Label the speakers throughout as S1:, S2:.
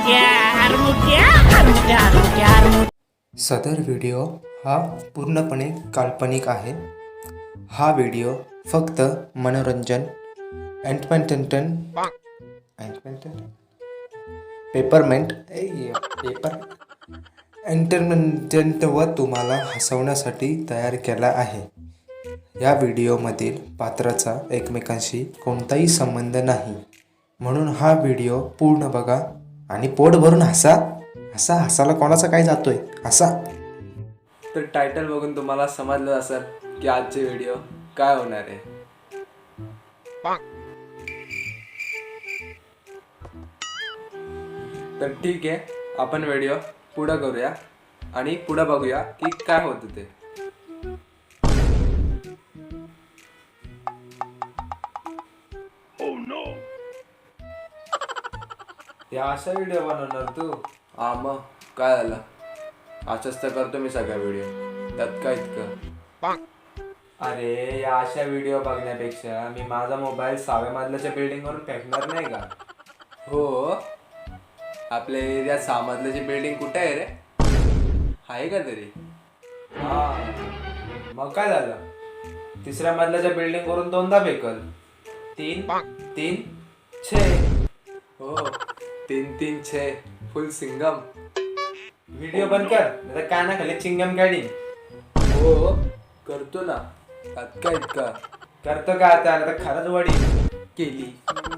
S1: सदर व्हिडिओ हा पूर्णपणे काल्पनिक आहे. हा व्हिडिओ फक्त मनोरंजन एंटरटेनमेंट व तुम्हाला हसवण्यासाठी तयार केला आहे. या व्हिडिओमधील पात्राचा एकमेकांशी कोणताही संबंध नाही, म्हणून हा व्हिडिओ पूर्ण बघा आणि पोट भरून हसा. हसायला कोणाचा काय जातोय, हसा.
S2: तर टायटल बघून तुम्हाला समजलं असेल की आजचे व्हिडिओ काय होणार आहे. तर ठीक आहे, आपण व्हिडिओ पुढं करूया आणि पुढं बघूया की काय होतं ते. या अशा व्हिडिओ बनवणार तू? हा, मग काय झालं, असंच तर करतो मी सगळ्या व्हिडिओ, त्यात काय इतकं. अरे, या अशा व्हिडिओ बघण्यापेक्षा मी माझा मोबाईल 6व्या मजल्याच्या बिल्डिंग वरून फेकणार नाही का? हो, आपल्या एरियात 6 मजल्याची बिल्डिंग कुठे आहे रे? आहे का तरी? हा, मग काय झालं, 3ऱ्या मजल्याच्या बिल्डिंग वरून 2दा फेकल. 3 6. हो, 3 6 फुल सिंगम. व्हिडिओ बंद कर, नाही काना खाली चिंगम गाडी. हो, करतो ना, त्यात काय इतका. करतो का आता खरंच वडी केली.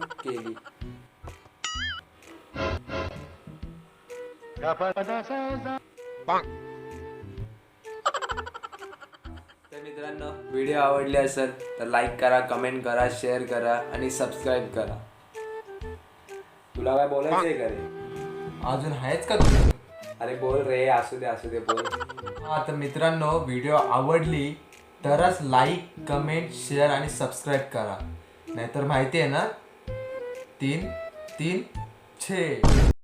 S2: तर मित्रांनो, व्हिडिओ आवडले असेल तर लाईक करा, कमेंट करा, शेअर करा आणि सबस्क्राईब करा. तुला काय बोलायचं आहे का रे? अजून आहेच का तू? अरे बोल रे, असू दे बोल. हा, तर मित्रांनो, व्हिडिओ आवडली तरच लाईक, कमेंट, शेअर आणि सबस्क्राईब करा, नाहीतर माहिती आहे ना, 3 3 6.